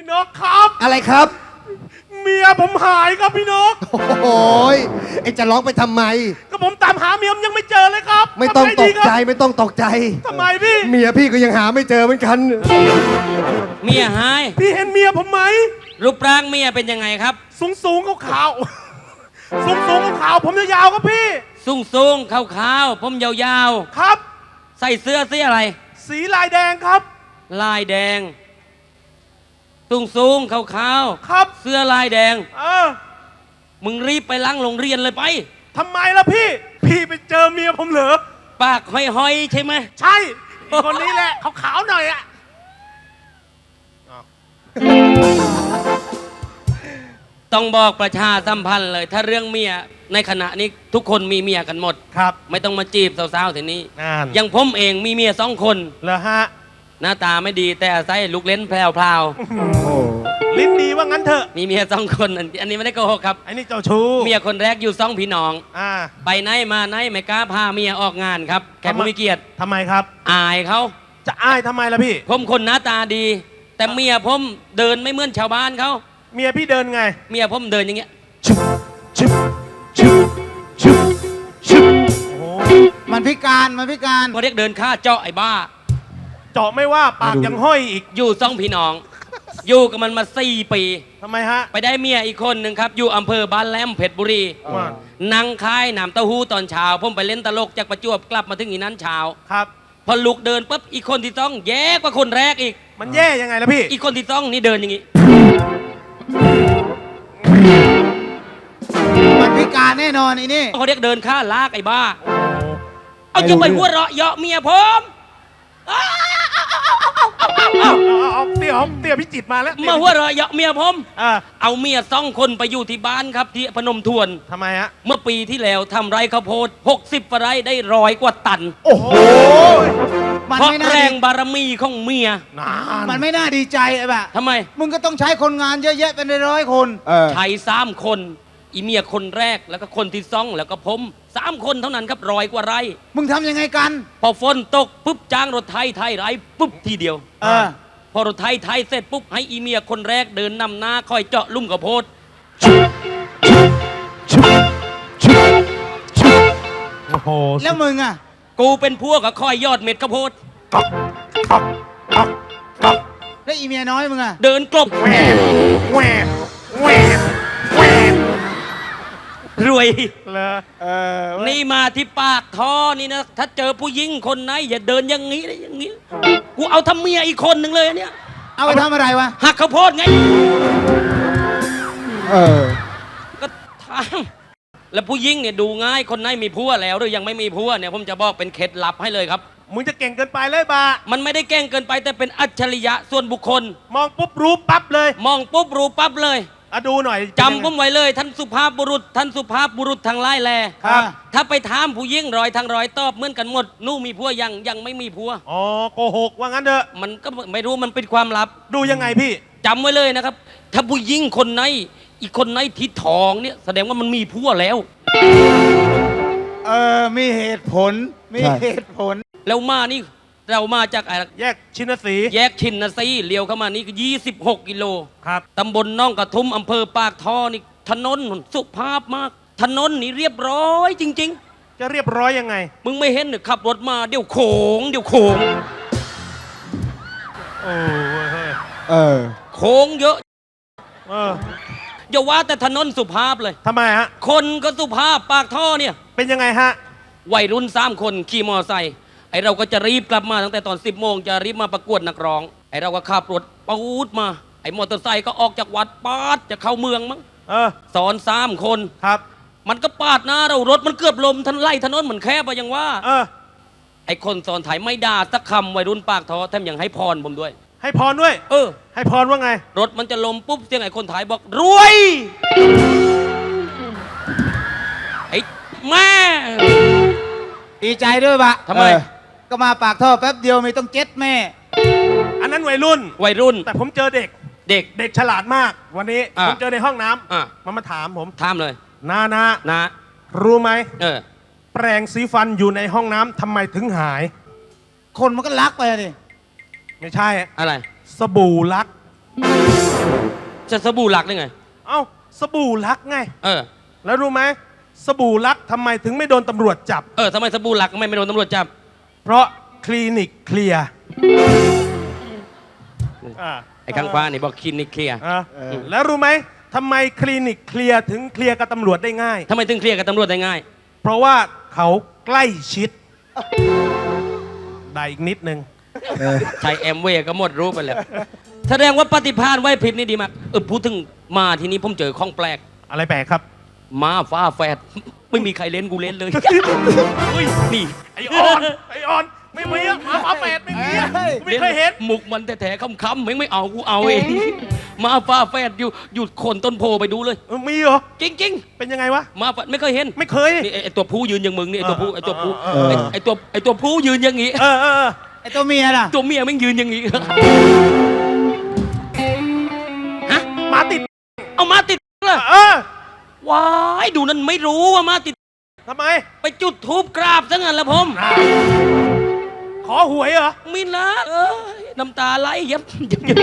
นกครับอะไรครับเมียผมหายครับพี่นกโอ้ยไอจะร้องไปทำไมก็ผมตามหาเมียยังไม่เจอเลยครับไม่ต้องตกใจไม่ต้องตกใจทำไมพี่เมียพี่ก็ยังหาไม่เจอเหมือนกันเมียหายพี่เห็นเมียผมไหมรูปร่างเมียเป็นยังไงครับสูงขาวสูงขาวผมยาวๆครับพี่สูงขาวผมยาวๆครับใส่เสื้อสีอะไรสีลายแดงครับลายแดงสูงขาวครับเสื้อลายแดงมึงรีบไปล้างโรงเรียนเลยไปทำไมล่ะพี่ไปเจอเมียผมเหรอปากห้อยๆใช่ไหมใช่คนนี้แหละขาวๆหน่อยอะต้องบอกประชาสัมพันธ์เลยถ้าเรื่องเมียในขณะนี้ทุกคนมีเมียกันหมดครับไม่ต้องมาจีบสาวๆทีนี้ยังผมเองมีเมีย2 คนเหรอฮะหน้าตาไม่ดีแต่อาศัยลูกเล่นแพรวๆลิ้นดีว่างั้นเถอะมีเมีย2 คนอันนี้ไม่ได้โกหกครับอันนี้เจ้าชู้เมียคนแรกอยู่2 พี่น้องไปไหนมาไหนไม่กล้าพาเมียออกงานครับแขกผู้มีเกียรติทำไมครับอายเขาจะอายทำไมล่ะพี่ผมคนหน้าตาดีแต่เมียผมเดินไม่เหมือนชาวบ้านเขาเมียพี่เดินไงเมียผมเดินอย่างเงี้ยมันพิการเขาเรียกเดินค่าเจาะไอ้บ้าเจาะไม่ว่าปากยังห้อยอีกอยู่2 พี่น้องอยู่กับมันมา4 ปีทำไมฮะไปได้เมียอีกคนหนึ่งครับอยู่อำเภอบ้านแหลมเพชรบุรีนั่งคายน้ำเต้าหู้ตอนเช้าผมไปเล่นตลกจากประจวบกลับมาถึงอีนั้นเช้าครับพอลุกเดินปุ๊บอีกคนที่2แย่กว่าคนแรกอีกมันแย่ยังไงล่ะพี่อีกคนที่2นี่เดินอย่างงี้มันพิการแน่นอนไอ้นี่เขาเรียกเดินค่าลากไอ้บ้าเอาจะไปหัวเราะเยาะเมียผมเตี่ยพิจิตมาแล้วมาหัวเราะเยาะเมียผมเอาเมีย2 คนไปอยู่ที่บ้านครับที่พนมทวนทำไมฮะเมื่อปีที่แล้วทำไร่ข้าวโพด60 ไร่ได้100 กว่าตันโอ้โหเพราะแรงบารมีของเมียมันไม่น่าดีใจไอ้บ้าทำไมมึงก็ต้องใช้คนงานเยอะแยะเป็น100 คนใช้3 คนอีเมียคนแรกแล้วก็คนที่2แล้วก็ผม3 คนเท่านั้นครับ100 กว่าไร่มึงทำยังไงกันพอฝนตกปุ๊บจ้างรถไถไร่ปุ๊บทีเดียวพอรถไถเสร็จปุ๊บให้อีเมียคนแรกเดินนำหน้าคอยเจาะลุ่มข้าวโพดโอ้โหแล้วมึงอ่ะกูเป็นพวกกับคอยยอดเม็ดข้าวโพดแล้วอีเมียน้อยมึงอ่ะเดินกลบแหวรวยนี่มาที่ปากท่อนี่นะถ้าเจอผู้หญิงคนไหนอย่าเดินอย่างนี้เลยอย่างนี้กูเอาทำเมียอีกคนหนึ่งเลยเนี่ยเอาไปทำอะไรวะหักข้าวโพดไงก็ทำแล้วผู้หญิงเนี่ยดูง่ายคนไหนมีผัวแล้วหรือยังไม่มีผัวเนี่ยผมจะบอกเป็นเคล็ดลับให้เลยครับมึงจะเก่งเกินไปเลยบ้ามันไม่ได้เก่งเกินไปแต่เป็นอัจฉริยะส่วนบุคคลมองปุ๊บรู้ปั๊บเลยมองปุ๊บรู้ปั๊บเลยดูหน่อยจำผมไว้เลยท่านสุภาพบุรุษทางไล่แลถ้าไปถามผู้หญิงร้อยตอบเหมือนกันหมดนู่มีผัวยังไม่มีผัวโกหกว่างั้นเถอะมันก็ไม่รู้มันเป็นความลับดูยังไงพี่จำไว้เลยนะครับถ้าผู้หญิงคนไหนอีกคนไหนที่ท้องเนี่ยแสดงว่ามันมีผัวแล้วมีเหตุผลแล้วมานี่เรามาจากแยกชินสีเลี้ยวเข้ามานี่ก็26 กิโลครับตำบลน่องกระทุ่มอำเภอปากท่อนี่ถนนสุภาพมากถนนนี่เรียบร้อยจริงๆจะเรียบร้อยยังไงมึงไม่เห็นหรือขับรถมาเดี๋ยวโขงโค้งเยอะอย่าว่าแต่ถนนสุภาพเลยทำไมฮะคนก็สุภาพปากท่อเนี่ยเป็นยังไงฮะวัยรุ่น3 คนขี่มอไซค์ไอเราก็จะรีบกลับมาตั้งแต่ตอน10 โมงจะรีบมาประกวดนักร้องไอเราก็ขับรถปูดมาไอมอเตอร์ไซค์ก็ออกจากวัดปาดจะเข้าเมืองมั้งสอน3 คนครับมันก็ปาดหน้าเรารถมันเกือบลมทันไล่ถนนเหมือนแคบไปยังว่าไอคนสอนถ่ายไม่ด่าสักคำวัยรุ่นปากท้อแถมยังให้พรผมด้วยให้พรด้วยให้พรว่าไงรถมันจะลมปุ๊บเสียงไอคนถ่ายบอกรวยไอแม่ดีใจด้วยบะทำไมก็มาปากท่อแป๊บเดียวไม่ต้อง7 แม่อันนั้นวัยรุ่นแต่ผมเจอเด็กฉลาดมากวันนี้ผมเจอในห้องน้ำมันมาถามผมถามเลยนารู้ไหมแปรงสีฟันอยู่ในห้องน้ำทำไมถึงหายคนมันก็ลักไปดิไม่ใช่อะไรสบู่ลักจะสบู่หลักได้ไงเอ้าสบู่รักไงเออแล้วรู้ไหมสบู่รักทำไมถึงไม่โดนตำรวจจับทำไมสบู่หลักไม่โดนตำรวจจับเพราะคลินิกเคลียร์ไอ้ข้างฟ้านี่บอกคลินิกเคลียร์แล้วรู้ไหมทำไมคลินิกเคลียร์ถึงเคลียร์กับตำรวจได้ง่ายทำไมถึงเคลียร์กับตำรวจได้ง่ายเพราะว่าเขาใกล้ชิด ได้อีกนิดนึงใช้แอมเวย์ก็หมดรู้ไปแล้ว แสดงว่าปฏิภาณไหวพริบนี่ดีมากพูดถึงมาทีนี้ผมเจอข้องแปลกอะไรแปลกครับม้าฟ้าแฝดไม่มีใครเล่นกูเล่นเลยเฮ้ยนี่ไอออนไม่มีอะหมาฝาแฝดไม่มีอะไม่เคยเห็นมุกมันแท้ๆคำๆไม่เอากูเอาเองม้าฟ้าแฝดอยู่โคนต้นโพไปดูเลยมีเหรอจริงเป็นยังไงวะๆม้าแฝดไม่เคยเห็นไม่เคยนี่ไอตัวผู้ยืนอย่างมึงนี่ไอตัวผู้ไอตัวผู้เออไอตัวผู้ยืนอย่างงี้ไอตัวเมียล่ะตัวเมียแม่งยืนอย่างงี้ฮะหมาติดเอามาติดเลย ว้ายดูนั่นไม่รู้ว่ามาติดทำไมไปจุดทูบกราบซะงั้นละผมขอหวยเหรอมินละน้ำตาไหลยับ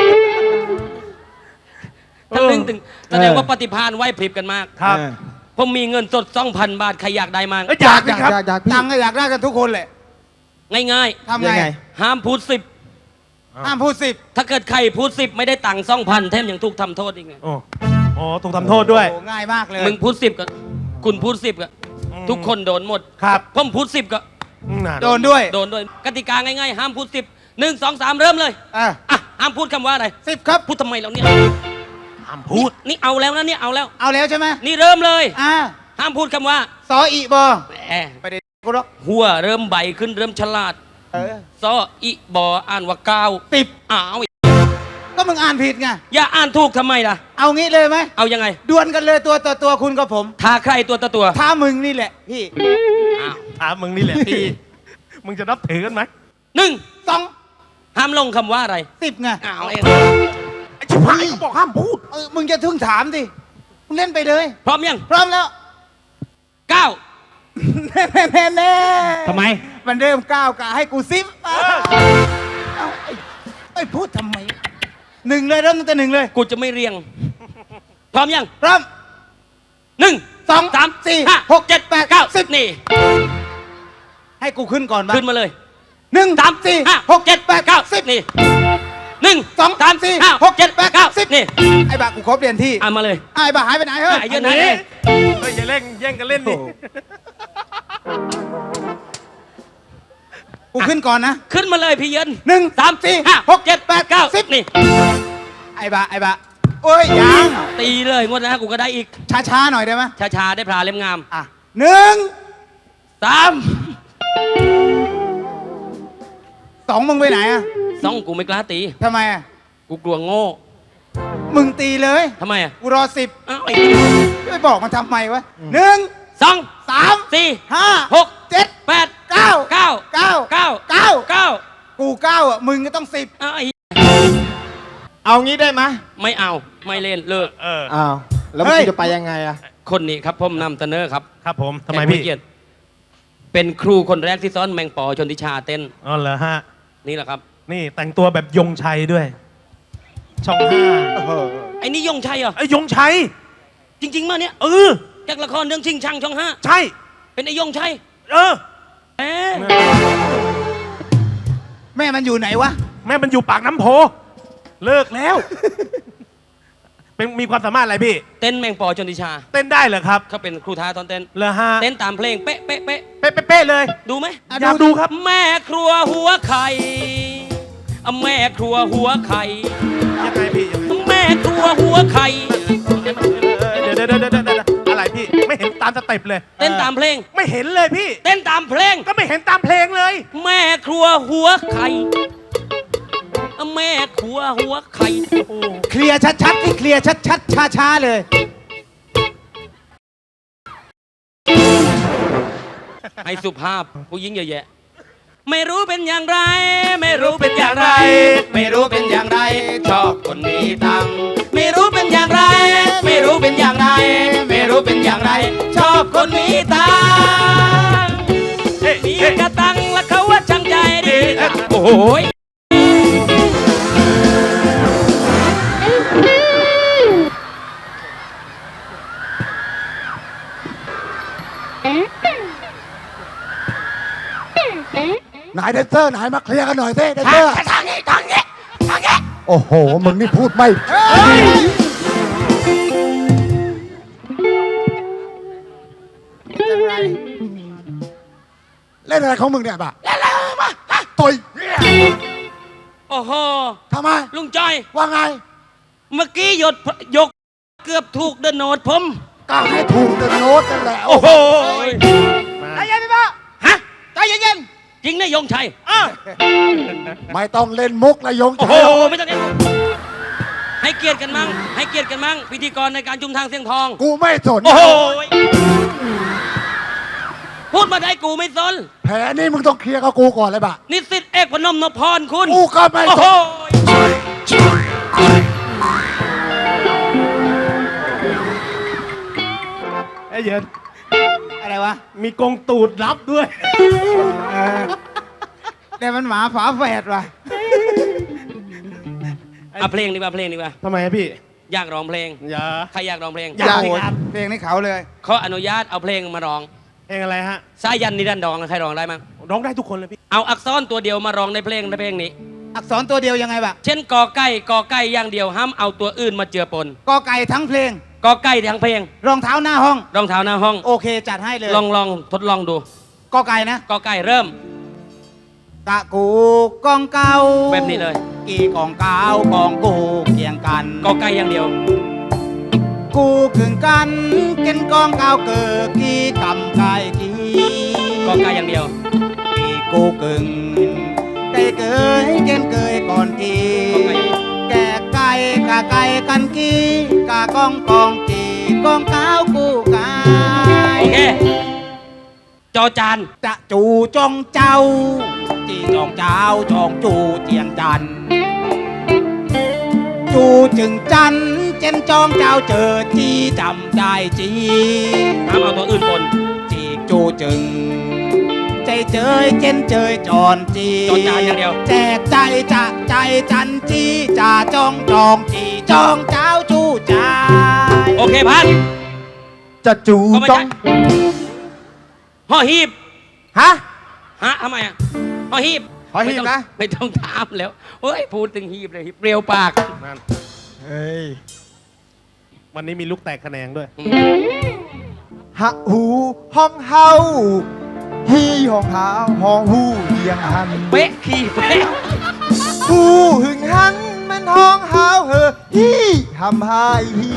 ถ้านึกถึงแสดงว่าปฏิภาณไหวพริบกันมากครับผมมีเงินสด 2,000 บาทใครอยากได้มากอยากครับตังค์ก็อยากได้กันทุกคนแหละง่ายทำไงๆ ห้ามพูดห้ามพูด10 10ถ้าเกิดใครพูด 10ไม่ได้ตังค์ 2,000แถมยังถูกทำโทษอีกไงโอ้ถูกทำโทษด้วยโอ้ง่ายมากเลยมึงพูด10ก็คุณพูด10ก็ทุกคนโดนหมดครับผมพูด10ก็โดนด้วยโดนด้วยกติกาง่ายๆ ห้ามพูด10 1 2 3 เริ่มเลยอ่ะห้ามพูดคำว่าอะไร 10 ครับพูดทำไมเราเนี่ยห้ามพูดนี่เอาแล้วนะเนี่ยเอาแล้วเอาแล้วใช่ไหมนี่เริ่มเลย ห้ามพูดคำว่าสออีบอแหมไปเด็กกูหรอกหัวเริ่มใบขึ้นเริ่มฉลาดซออิบออ่านว่าก้าว 10 อ้าวก็มึงอ่านผิดไงอย่าอ่านถูกทำไมล่ะเอางี้เลยไหมเอายังไงดวลกันเลยตัวต่อตัวคุณกับผมทาใครตัวต่อตัวท้ามึงนี่แหละพี่อ้าวถามมึงนี่แหละพี่ มึงจะนับถือกันไหม 1 2 ห้ามลงคำว่าอะไร 10ไงอ้าวเองไอ้ชิบหายเขาบอกห้ามพูดมึงจะทึ่งถามดิมึงเล่นไปเลยพร้อมยังพร้อมแล้ว 9 แน่ทำไมมันเริ่มก้าวกะให้กูซิปไอ้พูดทำไม1เลยเริ่มตั้งแต่1เลยกูจะไม่เรียง พร้อมยังพร้อม 1 2 3 4 5 6 7 8 9 10นี่ให้กูขึ้นก่อนบ้างขึ้นมาเลย 1 3 4 5 6 7 8 9 10 นี่1 2 3 4 5 6 7 8 9 10 นี่ไอ้บ้ากูขอเปลี่ยนที่มาเลยไอ้บ้าหายไปไหนเฮ้ยไอ้เหี้ยไหนเฮ้ยอย่าเล่นแย่งกันเล่นดิกูขึ้นก่อนนะขึ้นมาเลยพี่เย็น 1 3 4 5 6 7 8 9 10 นี่ไอ้บ้าโอ้ยยังตีเลยงวดหนะกูก็ได้อีกช้าๆหน่อยได้ไหมช้าๆได้พลาเล่มงามอ่ะ1 3 2มึงไปไหนอ่ะ 2กูไม่กล้าตีทำไมอ่ะกูกลัวโง่มึงตีเลยทำไมอ่ะกูรออ้าว 10ไม่บอกมันทำไมวะ1 2 3 4 5 6 7 8 9 9 9 9 9 กู9อ่ะมึงก็ต้อง10 อ้าวเอางี้ได้ไหมไม่เอาไม่เล่นเลิกอ้าวแล้วเฮ้มึยงจะไปยังไงอะคนนี้ครับผมนำเสนอครับครับผมทำไมแขกผู้พี่เกียรติเป็นครูคนแรกที่สอนแมงปอชนทิชาเต้นอ๋อเหรอฮะนี่แหละครับนี่แต่งตัวแบบยงชัยด้วย ช่อง5 ไอ้นี่ยงชัยเหรอไอ้ยงชัยจริงๆมาเนี่ย จากละครเรื่องชิงชังช่องใช่ 5เป็นไอ้ยงชัยเออแหมแม่มันอยู่ไหนวะแม่มันอยู่ปากน้ำโพ เลิกแล้ว เป็นมีความสามารถอะไรพี่เต้นแมงปอชนทิชาเต้นได้เหรอครับเขาเป็นครูท้าตอนเต้นเหรอฮะเต้นตามเพลงเป๊ะเป๊ะเป๊ะเป๊ะๆเลยดูไหมอยากดูครับแม่ครัวหัวไข่แม่ครัวหัวไข่ยังไงพี่ยังไงแม่ครัวหัวไข่เดี๋ยวอะไรพี่ ไม่เห็นตามสเต็ปเลยเต้นตามเพลงไม่เห็นเลยพี่เต้นตามเพลงก็ไม่เห็นตามเพลงเลยแม่ครัวหัวไข่แม่ครัวหัวไข่เคลียร์ชัดๆที่เคลียร์ชัดๆช้าๆเลยให้สุภาพผู้หญิงเยอะแยะ ไม่รู้เป็นอย่างไร ไม่รู้เป็นอย่างไร ไม่รู้เป็นอย่างไร ชอบคนมีตังค์ไม่รู้เป็นอย่างไร ไม่รู้เป็นอย่างไร ไม่รู้เป็นอย่างไร ชอบคนมีตังค์มีกระตังและเขาว่าช่างใจดีโอ้โหแดนเซอร์ไหนมาเคลียร์กันหน่อยสิแดนเซอร์ทางนี้โอ้โหมึงนี่พูดไม่เล่นอะไรของมึงเนี่ยบ้าเล่นอะไรมาต่อยโอ้โหทำไมลุงจ้อยว่าไงเมื่อกี้ยกเกือบถูกเดินโนดผมก็ให้ถูกเดินโน้ตนั่นแหละโอ้โหใจเย็นพี่บ้าฮะใจเย็นจริงนะยงชัยไม่ต้องเล่นมุกนะยงโอ้ชัโหยไม่ต้องเล่นให้เกียรติกันมั่งให้เกียรติกันมั่งพิธีกรในการจุมทางเสียงทองกูไม่สนโอ้โหพูดมาได้กูไม่สนแผลนี่มึงต้องเคลียร์กับกูก่อนเลยบ้านิสิตเอกพนมนพพรคุณกูก็ไม่โอ้สโหนไอ้เยินๆอะไรวะมีกงตูดรับด้วยแต่มันหมาฝาแฝดว่ะเอาเพลงดีกว่าเพลงดีกว่าทำไมอะพี่อยากร้องเพลงอย่าใครอยากร้องเพลงอยากโอ้สิโหครับเพลงนี้เขาเลยเขาอนุญาตเอาเพลงมาร้องเพลงอะไรฮะสายันนิรันดรใครร้องได้มั้งร้องได้ทุกคนเลยพี่เอาอักษรตัวเดียวมาร้องในเพลงนี้อักษรตัวเดียวยังไงบ้าเช่นกอไก่อย่างเดียวห้ามเอาตัวอื่นมาเจือปนกอไก่ทั้งเพลงกอไก่ทั้งเพลงรองเท้าหน้าห้องรองเท้าหน้าห้องโอเคจัดให้เลยลองทดลองดูกอไก่นะกอไก่เริ่มกะกูกองเก่าแบบนี้เลยกี่กองเก่ากองกูเกี่ยงกันกอไก่อย่างเดียวกูขึงกันเกินกองเก่าเกิดกี่กำไก่กี่กอไก่อย่างเดียวกี่กูกึ่งไก่เกยเกินเกยก่อนกี่กอไก่อย่างเดียวแก่ไก่กะไก่กันกี่กะกองกี่กองเก่ากูไก่โอเค จอจานจะจูจองเจ้า จีจองเจ้าจองจูเจียงจัน จูจึงจันเจนจองเจ้าเจอจีจำได้จีห้ามเอาตัวอื่นปนจีจูจึง ใจเจยเจนเจยจอนจีจอจานอย่างเดียวแจกใจจะใจจันจีจ่าจองจองจีจองเจ้าจูใจโอเคพันจะจูก็ไม่ต้อใช่งห่อหีบฮะฮะทำไมอ่ะห่อหีบห่อหีบนะไม่ต้องถามแล้วเฮ้ยพูดถึงหีบเลยหีบเปรียวปากนั่นเฮ้ยวันนี้มีลูกแตกแขนงด้วยหะหูห้องเฮาฮีห้องหาห้องหูเยียงหันเป๊ะขี่เป๊ะหูหึงหันมันห้องเฮาเหอฮีหำหายฮี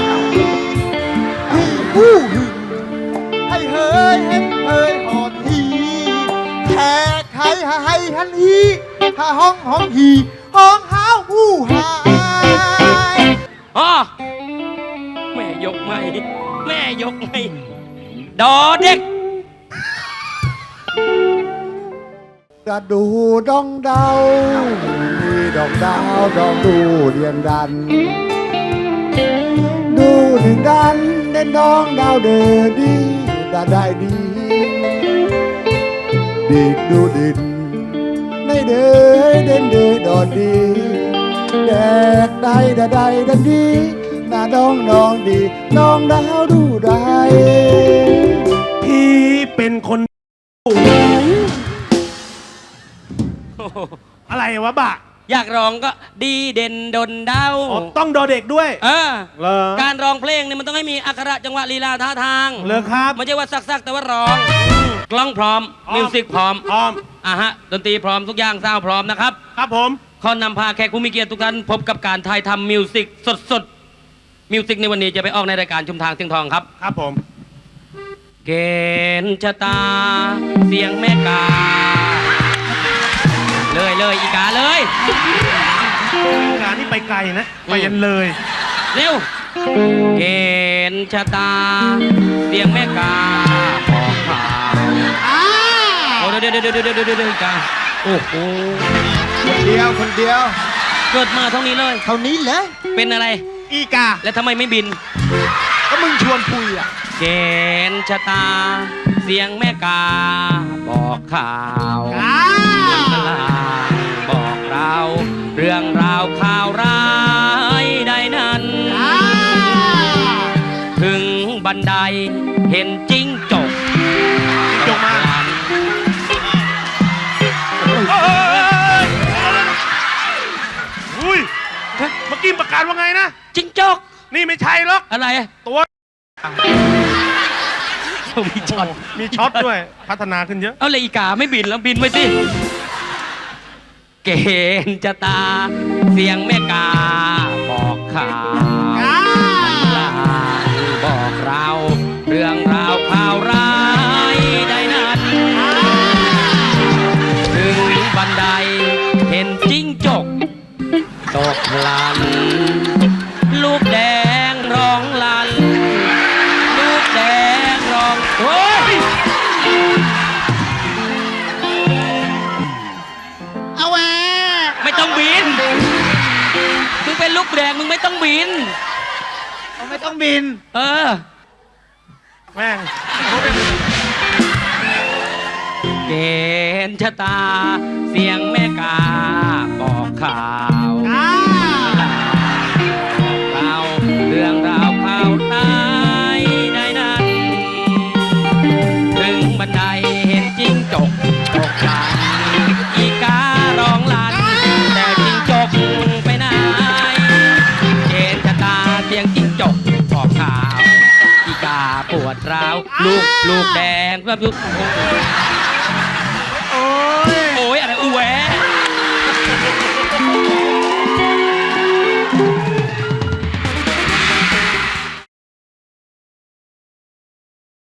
หูหึงให้เฮยเห็นเฮยหอดฮีแขกให้ให้หันฮีหาห้องฮีห้องเฮาหูหายอ๋อแม่ยกไม่แม่ยกไม่ดอเด็กกระดูดองดาวมีดองดาวดองดูเดียนดัน ดูถึงดันเด่นดองดาวเดือดีดาได้ดี ดีดดูดินในเดือเด่นเดือดอนดีแดกได้ดาได้ดันดีหน้าดองน้องดีน้องดาวดูได้พี่เป็นคน อะไรวะบะอยากร้องก็ดีเด่นดนเดาอ๋อต้องดอเด็กด้วยเออเหรอการร้องเพลงเนี่ยมันต้องให้มีอักขระจังหวะลีลาท่าทางเหรอครับไม่ใช่ว่าซักๆแต่ว่าร้อง กล้องพร้อม มิวสิกพร้อมพร้อมฮะดนตรีพร้อมทุกอย่างซาวด์พร้อมนะครับครับผมขอนำพาแขกผู้มีเกียรติทุกท่านพบกับการถ่ายทำมิวสิกสดๆมิวสิกในวันนี้จะไปออกในรายการชุมทางเสียงทองครับครับผมเกณฑ์ชะตา เสียงแม่กา เลยอีกาเลยงานนี้ไปไกลนะ ไปยันเลยเร็ว เกณฑ์ชะตา เสียงแม่กาบอกข่าวโอ้เดี๋ยวอีกาโอ้โหคนเดียวคนเดียวเกิดมาเท่านี้เลยเท่านี้เหรอเป็นอะไรอีกาแล้วทำไมไม่บินก็มึงชวนคุยอ่ะเกณฑ์ชะตา เสียงแม่กา บอกข่าวกลางบอกเรา เรื่องราวข่าวร้ายใดนั้น ถึงบันไดเห็นจิ้งจกจงมาโอ้โหเมื่อกี้ประกาศว่าไงนะจิ้งจกนี่ไม่ใช่หรอกอะไรตัวมีช็อตมีช็อตด้วย พัฒนาขึ้นเยอะเอาเลยอีกาไม่บินแล้วบินไปสิ เกณฑ์จะตา เสียงแม่กาบอกข่าวลางบอกเราเรื่องราวข่าวร้ายใดนั้นถึงบันไดเห็นจิ้งจกตกลัน ลูกแดงร้องลัน ลูกแดงร้องโอ้ยเอาแหวไม่ต้องบิน มึงเป็นลูกแดงมึงไม่ต้องบินเอาไม่ต้องบินเออแม่งเกณฑ์ชะตา เสียงแม่กาบอกข่าวเราเรื่องราวข่าวร้ายใดนั้น ถึงบันไดเห็นจิ้งจกตกลัน อีการ้องลัน แต่จิ้งจกไปไหน เกณฑ์ชะตาเสียงจิ้งจกบอกข่าว อีกาปวดร้าว ลูกแดงแบบ